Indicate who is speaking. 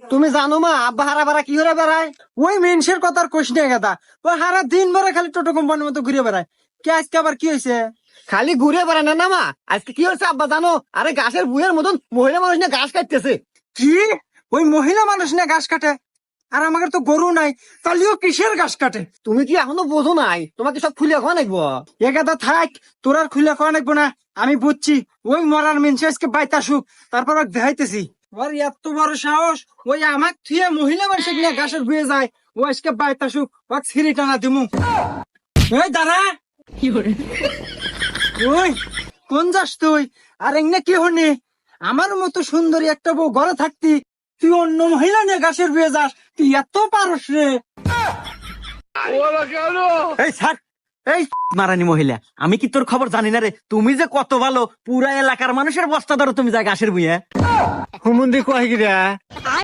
Speaker 1: তুমি জানো মা আব্বা হারা বারা কি করে বেড়ায়?
Speaker 2: ওই মেনসের কথা আর কোশ নিয়ে গেদা, ওই সারা দিন ভরে খালি টোটো কোম্পানির মতো ঘুরে বেড়ায়। কে আজকে আবার কি হয়েছে?
Speaker 1: খালি ঘুরে বেড়ায় না না মা, আজকে কি হচ্ছে আব্বা জানো? আরে ঘাসের বুয়ের মতন মহিলা মানুষ না ঘাস কাটতেছে।
Speaker 2: কি? ওই মহিলা মানুষ না ঘাস কাটে? আর আমাদের তো গরু নাই, তাহলেও কিসের ঘাস কাটে?
Speaker 1: তুমি কি এখনো বোঝো নাই? তোমাকে সব খুলে খাওয়া নাকবো।
Speaker 2: এ গাদা থাক, তোর আর খুলে খাওয়া নাকবো না। আমি বুঝছি ওই মরার মেনসে আজকে বাইতে আসুক, তারপর ওকে দেখাইতেছি। ওর এত বড় সাহস, ওই আমাক থুয়ে মহিলা মানুষ নিয়ে ঘাসের বুয়ে যায়। ও আজকে বাইতে আসুক, ওকে ছিঁড়ি টানা দিমু। এই দাঁড়া, ওই কোন যাস তুই? আর এমনি কি হনি? আমার মতো সুন্দরী একটা বউ ঘরে থাকতি, তুই অন্য মহিলা নিয়ে ঘাসের বুয়ে যাস? তুই এত পারস রে?
Speaker 1: এই স্যার, এই মারানি মহিলা, আমি কি তোর খবর জানি না রে? তুমি যে কত ভালো, পুরা এলাকার মানুষের বস্তা ধরো তুমি যা ঘাসের বুয়ে। হুমুন্দি কয় গিরা